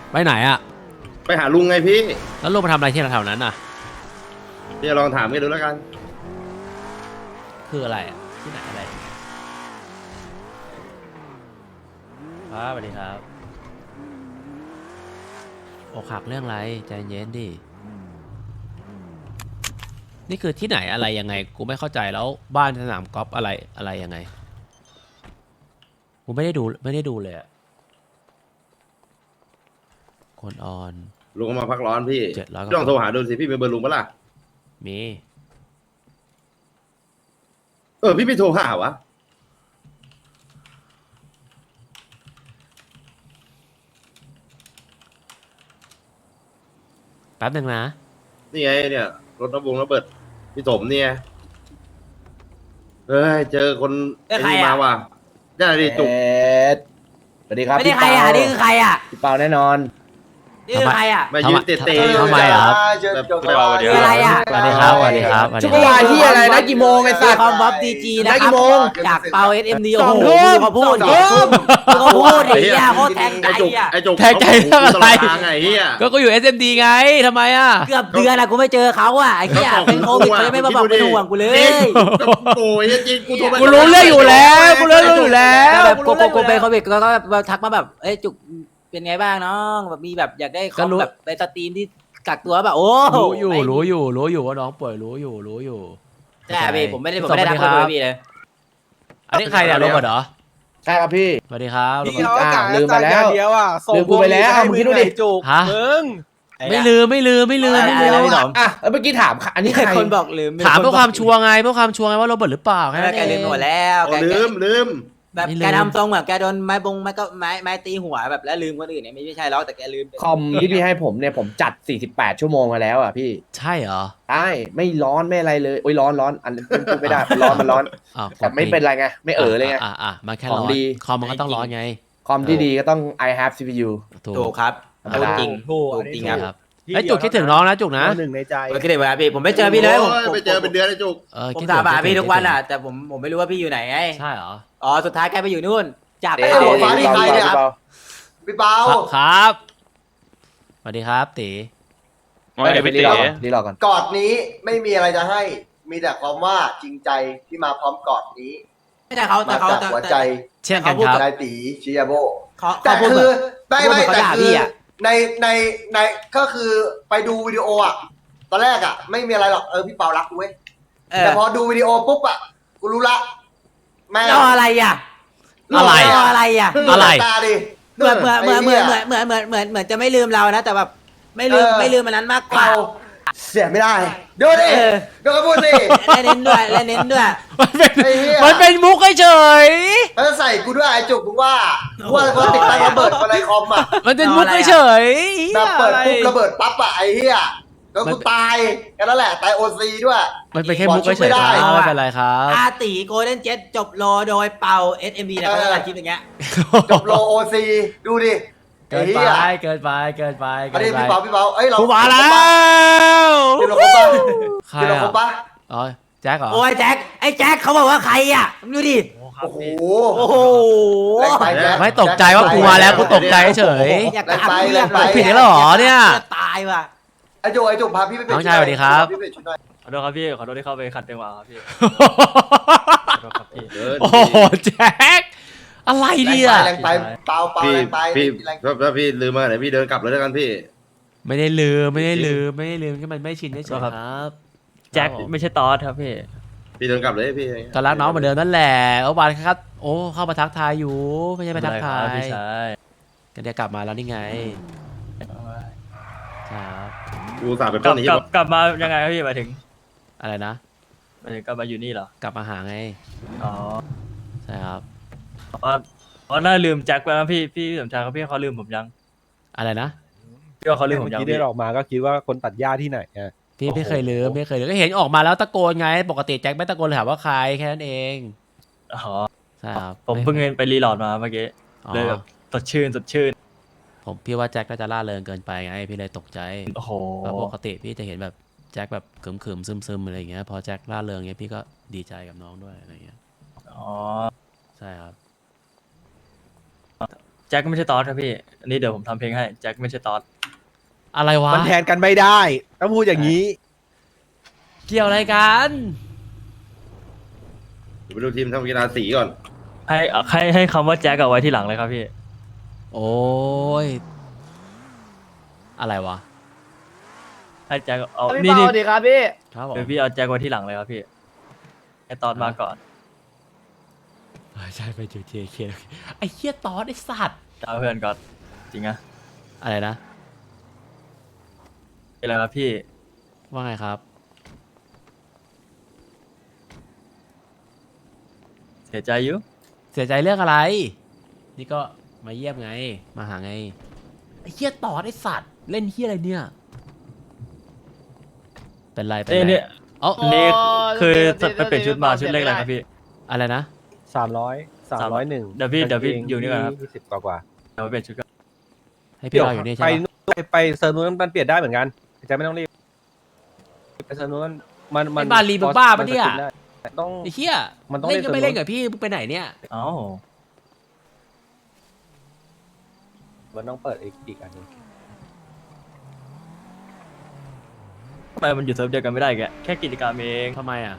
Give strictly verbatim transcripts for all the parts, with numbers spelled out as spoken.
ไปไหนอ่ะไปหาลุงไงพี่แล้วลุงมาทำอะไรที่แถวนั้นน่ะพี่ลองถามกันดูแล้วกันคืออะไรอ่ะที่ไหนอะไรครับสวัสดีครับอกหักเรื่องอะไรใจเย็นดินี่คือที่ไหนอะไรยังไงกูไม่เข้าใจแล้วบ้านสนามกอล์ฟอะไรอะไรยังไงกูไม่ได้ดูไม่ได้ดูเลยอะคนออนลุงมาพักร้อนพี่เจ็ดร้อยลองโทรหาดูสิพี่มีเบอร์ลุงปะล่ะมีเออพี่ไม่โทรหาวะแป๊บหนึ่งนะนี่ไงเนี่ยรถระบงระเบิดพี่สมเนี่ยเฮ้ยเจอคนไอ้นี่มาว่ะได้ดิจุกสวัสดีครับไม่ได้ใครอ่ะนี่คือใครอ่ะพี่เปาแน่นอนนี่คือใครอ่ะมายืนเตะเตะทำไมอ่ะครับคืออะไรอ่ะสวัสดีครับสวัสดีครับชุกวาที่อะไรนะกี่โมงไอ้สัตว์คอมบัฟดีจีนะได้ครักี่บโมงจากเปาเอสเอ็มดีสโอ้องโหทุ่มเขาพูดสองดิทุ่มเขาพูดดิเนี่ยโคตรแทงใจไอ้จุกอ่ะไอ้จุกแทงใจเรื่องอะไรไงเฮียก็กูอยู่ เอส เอ็ม ดี ไงทำไมอ่ะเกือบเดือนอ่ะกูไม่เจอเขาอ่ะไอ้เหี้ยเป็นโควิดเลยไม่มาบอกเป็นห่วงกูเลยโอ้ยจริงกูโทรกูรู้เรื่องอยู่แล้วกูรู้เรื่องอยู่แล้แต่วแบบกูกูเป็นโควิดก็แบบทักมาแบบเอ้ยจุกเป็นไงบ้างน้องแบบมีแบบอยากได้คอมแบบไปสตรีมที่กักตัวแบบโอ้รู้อยู่รู้อยู่รู้อยู่ว่าน้องป่วยรู้อยู่รู้อยู่ใช่พี่ผมไม่ได้ผมไม่ได้ทักเลยพี่เลยอันนี้ใครเนี่ยโรเบิร์ตเหรอใช่ครับพี่สวัสดีครับโรพี่เบิร์ตเขากะลืมไปแล้วเดียวอ่ะลืมกูไปแล้วมึงคิดดูดิจุกฮะมึงไม่ลืมไม่ลืมไม่ลืมไม่ลือะไรมพี่หนอมอ่ะแล้วเมื่อกี้ถามอันนี้ใครคนบอกลืมถามเพื่อความชัวร์ไงเพื่อความชัวร์ไงว่าโรเบิร์ตหรือเปล่าแค่แกนั้นเอลืมงหมดแล้วแกลืมลืมแบบแกทำทรงแบบแกโดนไม้บงไม้ก็ไม้ไม้ตีหัวแบบแล้วลืมคนอื่นเนี่ยไม่ใช่หรอกแต่แกลืมคอมที่พี่ให้ผมเนี่ยผมจัดสี่สิบแปดชั่วโมงมาแล้วอ่ะพี่ใช่เหรอใช่ไม่ร้อนไม่อะไรเลยโอ้ยร้อนร้อนอันนี้พูดไม่ได้มันร้อนมันร้อนอ้าวแต่ไม่เป็นไรไงไม่เออเลยไงอ่ะอ่ะมันแค่ขร้ออง นดีคอมมันก็ต้องร้อนไงคอมที่ดีก็ต้อง I have ซี พี ยูถูถูกกครับธรรมดาจริงถูกถูกจริงครับครับไอ้ยจุกคิดถึงน้องนะจุกนะหนึ่งในใจโอเคเดี๋ยวพี่ผมไม่เจอพี่เลยผมไปเจอเป็นเดือนไอ้จุกเออผมคิดถามถึงหาพี่คิดถึงทุกวันอ่ะแต่ผมผมไม่รู้ว่าพี่อยู่ไหนไงใช่เหรออ๋อสุดท้ายแกไปอยู่นู่นจากเดี๋ไปยวเอาเดี๋ยวฟ้าเดี๋ที่ยวใครเนี่ยพี่เปาครับครับสวัสดีครับตีว่าไงพี่ดีเต๋รอก่อนดีรอก่อนกอดนี้ไม่มีอะไรจะให้ มีแต่ความว่าจริงใจที่มาพร้อมกอดนี้ไม่ใช่เขาแต่มาเขาจากแต่หัวใจเช่นกันครับนายตีชิยาโบเขาแต่เขาพูดคืแบอบ ไม่ไม่เขาแต่ด่าคืพี่ออะในในในก็คือไปดูวิดีโออ่ะตอนแรกอ่ะ ไม่มีอะไรหรอกเออพี่เปารักกูเว้ยเอแต่อพอดูวิดีโอปุ๊บอ่ะกูรู้ละแม่งรออะไรอ่ะอะไรรออะไรอ่ะอะไรตาดิเหมือนเหมือนเหมือนเหมือนเหมือนเหมือนเหมือนเหมือนเหมือนจะไม่ลืมเรานะแต่แบบไม่ลืมไม่ลืมมันนั้นมากกว่าเปาเสียไม่ได้ดูดิเออดูกระพูดสิและเน้นด้วยและเน้นด้วยมันเป็นไอ้เหี้ยมันเป็นมุกเฉยแล้วจะใส่กูด้วยไอ้จุกมึงว่ากูว่าคนติดตั้งระเบิดอะไรคอมอ่ะมันเป็นมุกเฉยแบบเปิดปุ๊บระเบิดปั๊บอะไอ้เหี้ยแล้วกูตายแค่นั้นแหละตายโอซีด้วยมันเป็นแค่มุกบอกชุบเฉไม่ยได้ๆครับไม่เป็นไรครับอาตีโกลเด้นเจ็ตจบโลโดยเป่า เอส เอ็ม บี นะเขาจะตัดคลิปอย่างเงี้ยจบโลโอซีดูดิเกินไปเกินไปเกินไปอันเกินี้นไปพี่เปาพี่เปาเอ้ยเรากูมาแล้วทีมเราครบปะใครทีมเราครบอ่ะปะอ๋อแจ็คเหรอโอ้ยแจ็คไอ้แจ็คเขาบอกว่าใครอ่ะดูดิโอ้โหโอ้โหแรงไปแจ็คไม่ตกใจว่ากูมาแล้วกูตกใจเฉยอยากกระอักเลือดไปผิดแล้วเหรอเนี่ยจะตายว่ะไอ้จุกไอ้จุกพาพี่ไปเปลี่ยนน้องชายสวัสดีครับพี่ไปเปลี่ยนชุดหน่อยขอโทษครับพี่ ขอโทษที่เข้าไปขัดจังหวะครับพี่ ขอโทษครับพี่โอ้โหแจ็คอะไรเนี่ยแรงไปเปาเปาพี่แรงไปพี่แรงถ้าพี่ลืมมาไหนพี่เดินกลับเลยแล้วกันพี่ไม่ได้ลืมไม่ได้ลืมไม่ได้ลืมแค่มันไม่ชินเฉยๆครับแจ็คไม่ใช่ตอสครับพี่พี่เดินกลับเลยพี่ก็รักน้องเหมือนเดิมนั่นแหละเมื่อวานครับโอ้เข้ามาทักทายอยู่ไม่ใช่ไปทักทายพี่ชายก็เดี๋ยวกลับมาแล้วนี่ไงครับกูสาบเป็นกลัต้บนนี้กลับกลับมายังไงครับพี่หมายถึงอะไรนะหมายถึงกลับมาอยู่นี่เหรอกลับมาหาไงอ๋อใช่ครับอ๋ออ๋อน่าลืมแจ็คไปแล้วพี่พี่สมชายเขาพี่เขาลืมผมยังอะไรนะพี่ว่าเขาลืมผมเมื่อยังกี้พี่ได้ออกมาก็คิดว่าคนตัดหญ้าที่ไหนอ่ะพี่ไม่เคยลืมไม่เคยลืมก็เห็นออกมาแล้วตะโกนไง ปกติแจ็คไม่ตะโกนเลยถามว่าใครแค่นั้นเองอ๋อใช่ครับผมเพิ่งไปรีโหลดมาเมื่อกี้อ๋อเลยแบบสดชื่นสดชื่นผมพี่ว่าแจ็คก็จะล่าเริงเกินไปไงพี่เลยตกใจโอ้โหเพราะปกติพี่จะเห็นแบบแจ็คแบบขึมๆซึมๆอะไรอย่างเงี้ยพอแจ็คล่าเริงเงี้ยพี่ก็ดีใจกับน้องด้วยอะไรเงี้ยอ๋อใช่ครับแจ็คไม่ใช่ตอสครับพี่อันนี้เดี๋ยวผมทำเพลงให้แจ็คไม่ใช่ตอสอะไรวะมันแทนกันไม่ได้ต้องพูดอย่างนี้เกี่ยวอะไรกันเดี๋ยวไปดูทีมทำกีฬาสีก่อนให้ให้ให้คำว่าแจ็คเอาไว้ที่หลังเลยครับพี่โอ้ยอะไรวะให้แจ็คเอาพี่นี่เปานี่สวัสดีครับพี่ครับผมเดี๋ยวพี่เอาแจ็คไว้ที่หลังเลยครับพี่ให้ตอสมาก่อนใช่ไปจูเจเคไอ้เหี้ยตอสไอ้สัตว์เอาเพื่อนก่อนจริงอะอะไรนะเป็นไรครับพี่ว่าไงครับเสียใจอยู่เสียใจเรื่องอะไร นี่ก็มาเยี่ยมไง มาหาไง ไอ้เหี้ยตอดไอ้สัตว์ เล่นเหี้ยอะไรเนี่ย เป็นไร เป็นเอ้ยไรเนี่ยเอ้านี่คือไปเปลี่ยนชุดมาชุดเลขอะไรครับพี่อะไรนะสามร้อยสามร้อยหนึ่งเดี๋ยวพี่เดี๋ยวพี่อยู่นี่ก่อนครับยี่สิบกว่ากว่าเดี๋ยวไปเปลี่ยนชุดก่อนให้พี่รออยู่นี่ไปใช่ไหมนู่นไปไปเซิร์ฟนู้นมันเปลี่ยนได้เหมือนกันจะไม่ต้องรีบไปเซิร์ฟนู้นมันมันไอ้บาลีมึงบ้าปะเนี่ยมัสกิได้ต้องไอ้เหี้ยมันต้องเล่นก็ไม่เล่เล่นนกับพี่มึงไปไหนเนี่ยเอ้ามันต้องเปิดอีกอีกอันหนึงทำไมมันอยู่เซิร์ฟเดียวกันไม่ได้แกแค่กิจกรรมเองทำไมอ่ะ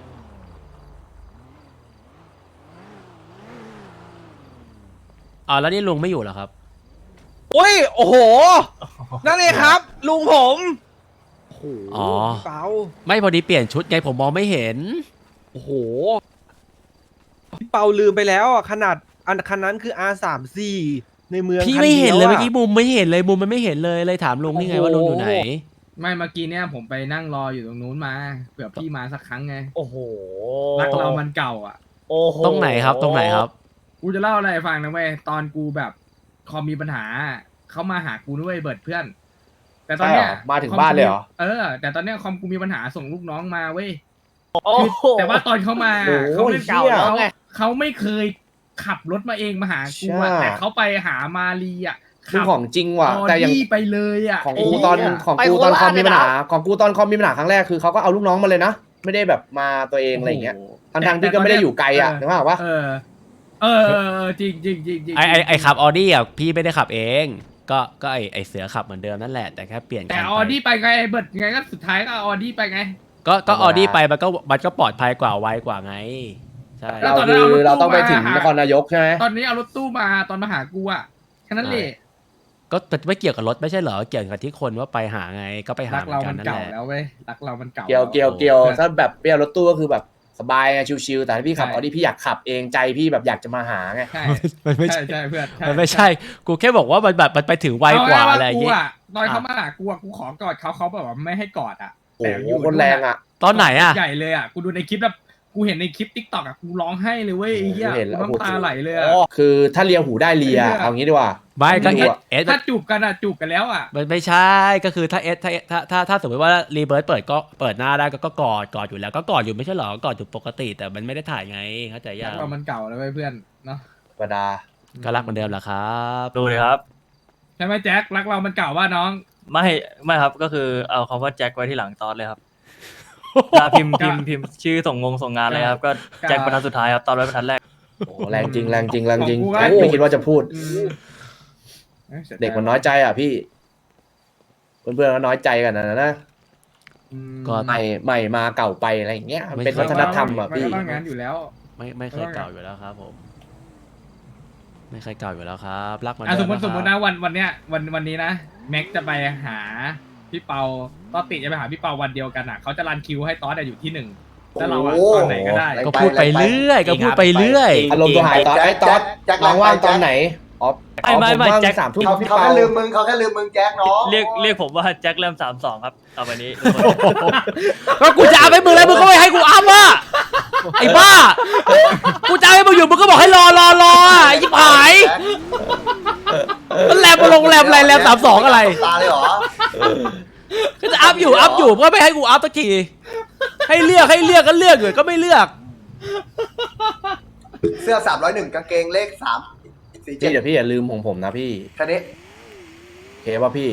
อ๋อแล้วนี่ลุงไม่อยู่เหรอครับโอ้ยโอ้โหนั่นเองครับ ลุงผมโอ้โหอ๋อเปาไม่พอดีเปลี่ยนชุดไงผมมองไม่เห็นโอ้โหพี่เปาลืมไปแล้วอ่ะขนาดอันคันนั้นคือ อาร์ สามสิบสี่ ในเมืองพี่คัไม่เห็นเลยดีวะเมื่อกี้มุมไม่เห็นเลยมุมมันไม่เห็นเลยเลยถามลุงนี่ไงว่าลุงอยู่ไหนไม่เมื่อกี้เนี่ยผมไปนั่งรออยู่ตรงนู้นมาเผื่อพี่มาสักครั้งไงโอ้โหรักเรามันเก่าอ่ะโอ้โหตรงไหนครับตรงไหนครับกูจะเล่าอะไรให้ฟังนะเว้ยตอนกูแบบคอมมีปัญหาเขามาหากูด้วยเบิร์ดเพื่อน แต่ตอนเนี้ยใช่เหรอมาถึงบ้านเลยเหรอเออ แต่ตอนเนี้ยคอมกูมีปัญหาส่งลูกน้องมาเว้ยโอ้โหแต่ว่าตอนเขามาโอ้โหเขาไม่เหี้ยเขาเขาไม่เคยขับรถมาเองมาหากูอะใช่แต่เขาไปหามาลีอ่ะคือขับของจริงว่ะออแต่อย่างดี้ไปเลยอ่ะของไอ้กูเหี้ยตอนของไปกูโคตอนราชคอมมีปัญหาเลยนะของกูตอนคอมมีปัญหาครั้งแรกคือเขาก็เอาลูกน้องมาเลยนะไม่ได้แบบมาตัวเองอะไรอย่างเงี้ยทั้งทางๆที่ก็ไม่ได้อยู่ไกลอ่ะนึกภาพว่าเออ เออเออเออจริงจริงจริงจริงไอไอไอขับออดี้อ่ะพี่ไม่ได้ขับเอง ก็ก็ไอไอเสือขับเหมือนเดิมนั่นแหละแต่แค่เปลี่ยนแต่คันออไปดี้ไปไงเบิร์ดไงก็สุดท้ายก็ออดี้ไปไงก็ก็ออดี้ไปมันก็มันก็ปลอดภัยกว่าไวกว่าไงใช่แล้วเราตอนนั้นคือเอารถตู้เราต้องไปถึงมาหานครนายกใช่ไหมตอนนี้เอารถตู้มาตอนมาหากูอ่ะแค่นั้นแหละก็ไม่เกี่ยวกับรถไม่ใช่เหรอเกี่ยวกับที่คนว่าไปหาไงก็ไปหารักเหมือเรานกัมัน นนั่นเก่าแหละแล้วเว้ยรักเรามันเก่าเกี่ยวเกี่ยวเกี่ยวพื่อนถ้าแบบเปรี้ยวรถตู้ก็คือแบบสบายไงชิวๆแต่ถ้าพี่ขับใช่ออดี้พี่อยากขับเองใจพี่แบบอยากจะมาหาไงใช่มันไม่ใช่ใช่ใช่เพื่อนใช่มันไม่ใช่กูแค่บอกว่ามันแบบมันไปถึงไวกว่าอะไรอย่างเงี้เงี้ยตอนเขามาหากูอ่ะกูขอกอดเขาเขาแบบว่าไม่ให้กอดอ่ะโอ้แต่โหอยู่คนแรงอ่ะตอนไหนอ่ะใหญ่เลยอ่ะกูดูในคลิปแบบกูเห็นในคลิปทิกตอกอ่ะกูร้องไห้เลยเว้ยไอ้เหี้ยเห็นแล้วกูน้ำตาไหลเลยอ่ะคือถ้าเลียหูได้เลียไอ้เหี้ยเอางี้ดีกว่าไม่ก็ไม่เอรู้สอะเอสถ้าจูบกันอ่ะจูบกันแล้วอ่ะมันไม่ใช่ก็คือถ้าเอสถ้าถ้าถ้าถ้าสมมติว่ารีเบิร์ตเปิดก็เปิดหน้าได้ก็ก็กอดกอดอยู่แล้วก็กอดอยู่ไม่ใช่เหรอกอดอยู่ปกติ แต่มันไม่ได้ถ่ายไงเข้าใจรัยักงเรามันเก่าแล้วเว้ยเพื่อนเนาะธรรมดาก็รักเหมือนเดิมแหละครับดูเลยครับใช่ไหมแจ็ครักเรามันเก่าว่าน้องไม่ไม่ครับก็คือเอาคำว่าแจ็คไว้ที่หลังตอสเลยครับเวลาพิมพ์พิมพ์พิมพ์ชื่อส่งงงส่งงานเลยครับก็แจ็คบรรทัดสุดท้ายครับตอนไว้บรรทัดแรกโอ้แรงจริงแรงจริงแรงจริงของกูก็โอ้ไม่คิดว่าจะพูดอืมอ้ยสียใจเด็กมันน้อยใจอ่ะพี่ เพื่อนๆก็น้อยใจกันนะนะอืมก็ใหม่ใหม่มาเก่าไปอะไรอย่างเงี้ยมันเป็นไม่วัใช่ฒนธรรมอ่ะมันพี่ก็ต้องงั้นอยู่แล้วไม่ไม่เคยเก่าอยู่แล้วครับผม ไม่เคยเก่าอยู่แล้วครับ รักเหมันอ่ะเดิสมมมติสมมตินะนะวันวันเนี้ยวันวันนี้นะแม็กจะไปหาพี่เปาต้อติจะไปหาพี่เปาวันเดียวกันอ่ะเขาจะรันคิวให้ตอสอะอยู่ที่หนึ่งแล้วเราอะโอ้โหตอนไหนก็ได้ก็พูดไปเรื่อยก็พูดไปเรื่อยอารมณ์ตัวหายตอนไอ้ตอนน้องว่างตอนไหนอ๋อไม่ไม่ไม่ผว่างแจ็คสามทุ่มเขาพี่เขาเปาแค่ลืมมึงเขาแค่ลืมมึงแจ็คน้องเรียกเรียกผมว่าแจ็คเริ่มสามสองครับต่อไปนี้ทุกคนก็กูจะเอาไปมึงแล้วมึงก็ไม่ให้กูอัพว่ะไอ้บ้า กูจะเอาให้มึงอยู่มึงก็บอกให้รอรอรออ่ะไอ้ยิบหายมันแลบมาลงแลบอะไรแลบสามสองอะไรตาเลยเหรอก็จะอัพอยู่อัพอยู่ก็ไม่ให้กูอัพสักทีให้เลือกให้เลือกก็เลือกอยู่ก็ไม่เลือกเสื้อสามร้อยหนึ่งกางเกงเลขสามสี่เจ็พี่ดเดี๋ยวพี่อย่าลืมของผมนะพี่แค่นี้โอเคป่ะพี่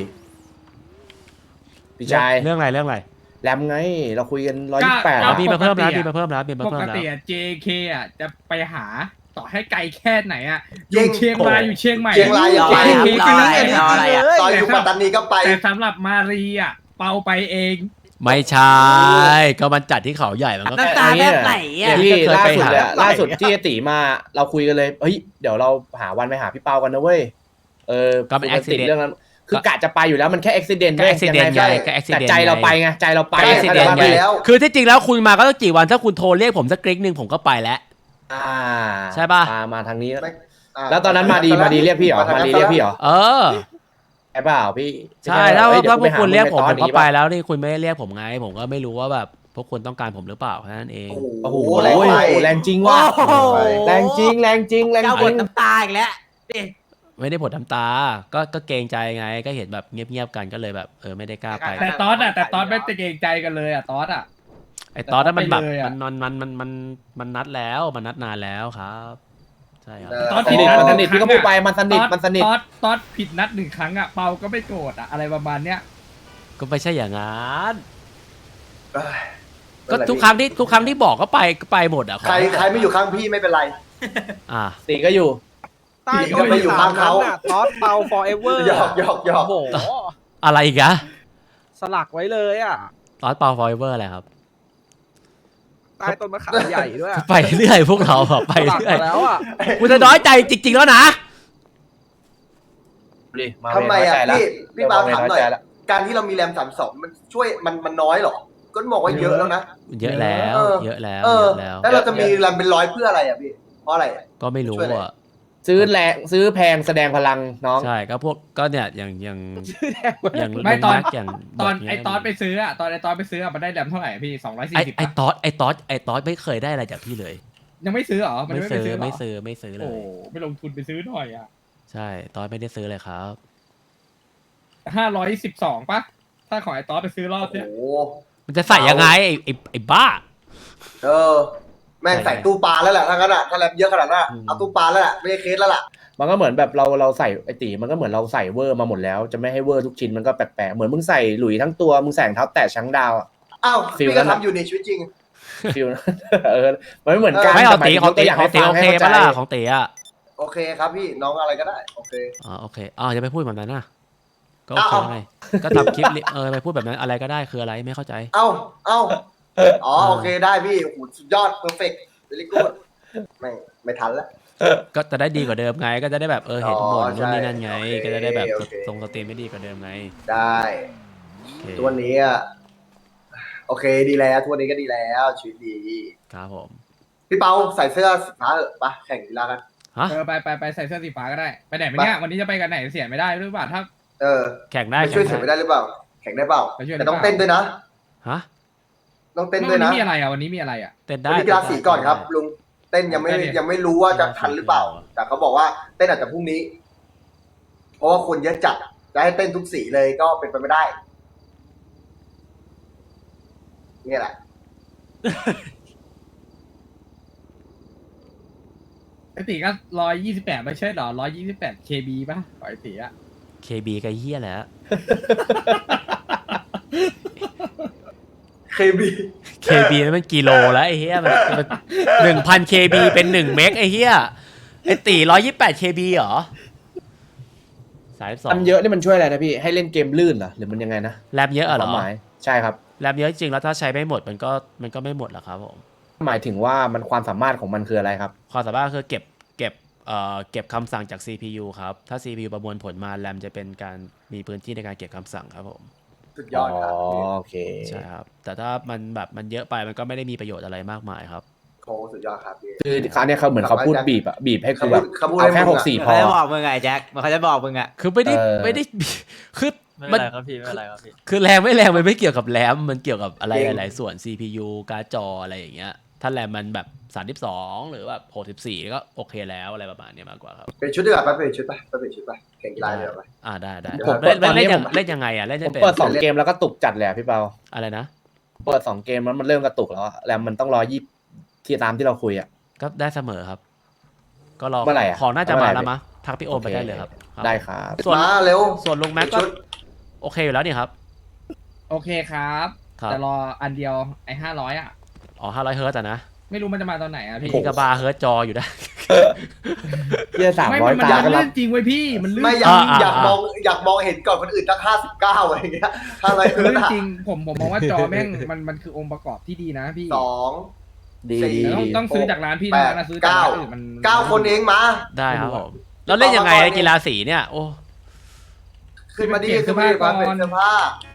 พี่ชายเรื่องอะไรเรื่องอะไรแรมไง เราคุยกันร้อยยี่สิบแปดก็มีมาเพิ่มแล้วมีมาเพิ่มแล้วมีมาปเพิ่มกแล้วติอะ เจ เค อ่ะจะไปหาต่อให้ไกลแค่ไหนอ่ะอจริยู่งเชียงรายอยู่เชียงใหม่เชียงรายอย่างรออะไรครับรออะไรรออะไรอ่ะตอนอยู่ปัตตานีก็ไปแต่สำหรับมารีอ่ะเปาไปเองไม่ใช่ก็มันจัดที่เขาใหญ่มันก็น้ำตาแทบไหลอ่ะพี่เคยล่าไปสุดหาเลยอะล่าสุดที่ไอ้ตีมาเราคุยกันเลยเฮ้ยเดี๋ยวเราหาวันไปหาพี่เปากันนะเว้ยเออก็เป็นปติ accident เรื่องนั้นคือกะจะไปอยู่แล้วมันแค่อุบิเหตุก็ accident ไงก็แต่ accident ใจเราไงไปไงใจเราไปไปใช่ accident ไปไงแล้วคือที่จริงแล้วคุณมาก็ต้องกี่วันถ้าคุณโทรเรียกผมสักกริ๊กหนึ่งผมก็ไปแล้วอ่าใช่ป่ะมามาทางนี้ไม่อ่าแล้วตอนนั้นมาดีมาดีเรียกพี่เหรอมาดีเรียกพี่เหรอเออใช่เปล่าพี่ใช่ถ้าเฮ้ยถ้าพดี๋วกหคุณเรียกผมงผในมตก็อนนี้ไปปะแล้วนี่คุณไม่ได้เรียกผมไง ผมก็ไม่รู้ว่าแบบพวกคุณต้องการผมหรือเปล่าแค่นั้นเองโอ้โอ้โหโหแรงไปแรงจริงว่ะโอ้โหแรงจริงแรงจริงแรงเจ้าจบริทงน้ำตาอีกแล้วนี่ไม่ได้ผลทำตา ก็ก็เกรงใจไง ก็เห็นแบบเงียบๆกันก็เลยแบบเออไม่ได้กล้าไปแต่ตอสอ่ะแต่ตอสไม่ตะเกรงใจกันเลยอ่ะตอสอ่ะไอ้ตอนนั้นมันแบบไปเลยอะมันมันมันมันมันมันนัดแล้วมันนัดนานแล้วครับ ใช่ครับเออตอสสผิดนิทนัดมันหสนึ่งนิทครั้พี่งก็พูดไปอะมันสนิทตอสมันสนิทตอสตอสผิดนัดหนึ่งครั้งอ่ะเปาก็ไม่โกรธอ่ะอะไรประมาณเนี้ยก็ไม่ใช่อย่างนั้นเอ้ยก็ทุกครั้งที่ทุกครั้งที่บอกก็ไปก็ไปหมดอ่ะขอใครใครไม่อยู่ข้างพี่ไม่เป็นไรอ่ะตีก็อยู่ใต้ก็ไม่อยู่ข้างเขาตอสเปา forever หยอกหยอกหยอกโอ้โหอะไรอีกอะสลักไว้เลยอ่ะตอนเปาฟอยเวอร์อะไรครับใต้ต้นมะขามใหญ่ด้วยอะไปเรื่อยพวกเราอะไปสลักเรื่อยมาแล้วอ่ะกูจะน้อยใจจริงๆแล้วนะดิาทำไมอ่ะเวรน้ยใจละพี่พี่บาวถามหน่อยเริ่มเวรน้อยใจละการที่เรามีแรมสามสองมันช่วยมันมันน้อยเหรอ ก็บอกว่าเยอะแล้วนะเยอะแล้วเออเยอะแล้วเอเยออะแล้วแล้วเราจะมีแรมเป็นร้อยเพื่ออะไรอ่ะพี่ เพราะอะไรอะก็ไม่รู้ช่วยอะไรอ่ะซื้อแรงซื้อแพงแสดงพลังน้องใช่ก็พวกก็เนี่ยอย่างอย่างอย่างไม่ตอนลุงแกอย่างตอนบทเนี้ยไอตอสไปซื้ออ่ะตอนไอตอสไปซื้ออ่ะมันได้แรมเท่าไหร่อะพี่สองร้อยสี่ไอสิบไอตอสไอตอสไอตอสไม่เคยได้อะไรจากพี่เลยยังไม่ซื้อเหรอมันไม่ยังไม่ไปซื้อซื้อเหรอไม่ซื้อไม่ซื้อเลโอ้ยไม่ลงทุนไปซื้อหน่อยอ่ะใช่ตอสไม่ได้ซื้อเลยครับห้าร้อยสิบสองป่ะถ้าของไอตอสไปซื้อรอบโอ้เนี้ยโหมันจะใส่ยังไงไอไอไอบ้าเออ แม่งใส่ตู้ปลาแล้วแหละถ้างั้นอ่ะถ้าแรมเยอะขนาดนั้นอะอืมเอาตู้ปลาแล้วแหละไม่ใช่เคสแล้วล่ะมันก็เหมือนแบบเราเราใส่ไอตีมันก็เหมือนเราใส่เวอร์มาหมดแล้วจะไม่ให้เวอร์ทุกชิ้นมันก็แปลกๆเหมือนมึงใส่หลุยทั้งตัวมึงใส่รองเท้าแตะช้างดาวอะอ้าวฟิลพี่นั้ก็นอะทำอยู่ในชีวิตจริงฟิล เออมันไม่เหมือนกันไม่เอาตีแต่ของหมายตีถึยกของตีให้โอฟัเคให้ปะข้าใจล่ะของตีอ่ะโอเคครับพี่น้องอะไรก็ได้ โอเคอ๋อโอเคอ๋อจะไปพูดแบบนั้นนะก็โอเคอ้าวไงก็ทำคลิปลิเออไปพูดแบบนั้นอะไรก็ได้คืออะไรไม่เข้าใจเอ้า เอ้า อ๋อ โอเคได้พี่โอ้โหสุดยอด เพอร์เฟกต์เวลิกูดไม่ไม่ทันแล้วก็จะได้ดีกว่าเดิมไง ก็จะได้แบบเออเห็นหมดอ๋อนู่นนี่นั่นไงใช่ก็จะได้แบบโอเคทรงสตรีมไม่ดีกว่าเดิมไงได้โอเคตัวนนี้อ่ะ โอเคดีแล้วตัวนนี้ก็ดีแล้วชีวิตดีครับผมพี่เปาใส่เสื้อสีฟ้าเถอะไปแข่งกีฬากันฮะเออไปไปไปใส่เสื้อสีฟ้าก็ได้ไปไหนไปเนี่ยวันนี้จะไปกันไหนเสียไม่ได้หรือเปล่าถ้าเออแข่งได้ไปช่วยแข่เสียงไม่ได้ได้หรือเปล่า แข่งได้เปล่าไปช่วยแต่ต้องได้เปล่าเต้นด้วยนะฮะต้องเต้นด้วัวยนนี้นะมีอะไรอ่ะวันนี้มีอะไรอ่ะเต้นวัได้นนี้กีฬาสีก่อนครับ ลุง เต้นยังไม่เต้นดิยังไม่รู้ว่าจะทันหรือเปล่า แต่เขาบอกว่าเต้นอาจจะพรุ่งนี้ เพราะว่าคนเยอะจัด จะให้เต้นทุกสีเลยก็เป็นไปไม่ได้ เนี่ยแหละไอตีก็ร้อยยี่สิบแปดไม่ใช่หรอร้อยยี่สิบแปดเคบีป่ะขอไอตีอ่ะเคบีกับเฮียแหละเคบีเคบีนั้นมันกิโลแล้วไอ้เฮียมันหนึ่งพันเคบีเป็นหนึ่งเมกไอ้เฮียไอ้ตีร้อยยี่สิบแปดเคบีเหรอสายสองมันเยอะนี่มันช่วยอะไรนะพี่ให้เล่นเกมลื่นเหรอหรือมันยังไงนะแรมเยอะเหรควาอมหมายใช่ครับแรมเยอะจริงแล้วถ้าใช้ไม่หมดมันก็มันก็ไม่หมดหรอกครับผมหมายถึงว่ามันความสามารถของมันคืออะไรครับความสามารถคือเก็บเก็บเอ่อเก็บคำสั่งจาก ซี พี ยู ครับ ถ้า ซี พี ยู ประมวลผลมาแรมจะเป็นการมีพื้นที่ในการเก็บคำสั่งครับผมสุดยอดครับโอเคใช่ครับ แต่ถ้ามันแบบมันเยอะไปมันก็ไม่ได้มีประโยชน์อะไรมากมายครับโค้สุดยอดครับพี่คือคราวเนี้ยเขาเหมือนเขาพูดบีบอะบีบให้คือแบบเขาพูดเอาแค่ให้มึหงกอะสี่พเขาอจะบอกมึงไงแจ็คมันเขาจะบอกมึงอ่ะคือไม่ได้เออไม่ได้ คือไม่มัเป็น นไรครับพี่ไม่เป็นไรครับพี่คือแรงไม่แรงมันไม่เกี่ยวกับแรมมันเกี่ยวกับอะไรหลายๆส่วน ซี พี ยู การ์ดจออะไรอย่างเงี้ยถ้าแรมมันแบบสามสิบสองหรือแบบหกสิบสี่ก็โอเคแล้วอะไรประมาณเนี้ยมากกว่าครับเป็นชุดดีกว่าไปเป็นชุดไปไปเป็นชุดไปแข่งกีฬาเดี๋ยวไปอ่าได้ได้เดี๋ยวผมผมเล่นตอนนี้เล่นยังผมเล่นยังไงอ่ะเล่นผจะมเป็นเปิดสองเกมแล้วก็ตุกจัดเลยอะพี่เปาอะไรนะเปิดสองเกมแล้วมันเริ่มกระตุกแล้วอะแล้วมันต้องรอยี่ที่ตามที่เราคุยอะก็ได้เสมอครับ ก็รอเมื่อไหร่อะของน่าจะเมื่มาอไหร่แล้วมั้งทักพี่โอมไปได้เลยครับครับได้ครับส่วนมาเร็วส่วนลุงแม็กก็ชุดโอเคอยู่แล้วนี่ครับโอเคครับครับแต่รออันเดียวไอห้าร้อยอ่ะอ๋อห้าร้อยเฮิร์ตซ์อะนะไม่รู้มันจะมาตอนไหนอ่ะพี่พี่กระบาเฮิร์ตจออยู่ได้เยี่ยสามไม่ร้อยมันตามันก็รัลื่บนจริงเว้ยพี่มันลื่นไม่อยากอ่าอยากอ่ามองอยากมองเห็นก่อนคนอื่นตั้งห้าสิบเก้าอะไรอย่างเงี้ยถ้าอะไรมันก็ลื่นได้จริงผมผมมองว่าจอแม่งมันมันคือองค์ประกอบที่ดีนะพี่สองดีสี่ดีต้องดีต้องซื้อจากร้านพี่แปดนะซื้อจากร้านอื่นมันเก้าคนเองมาได้ครับผมแล้วเล่นยังไงไอ้กีฬาสีเนี่ยโอ้ขึ้นมาดีขึ้นมาดีมาเป็นเสื้อผ้า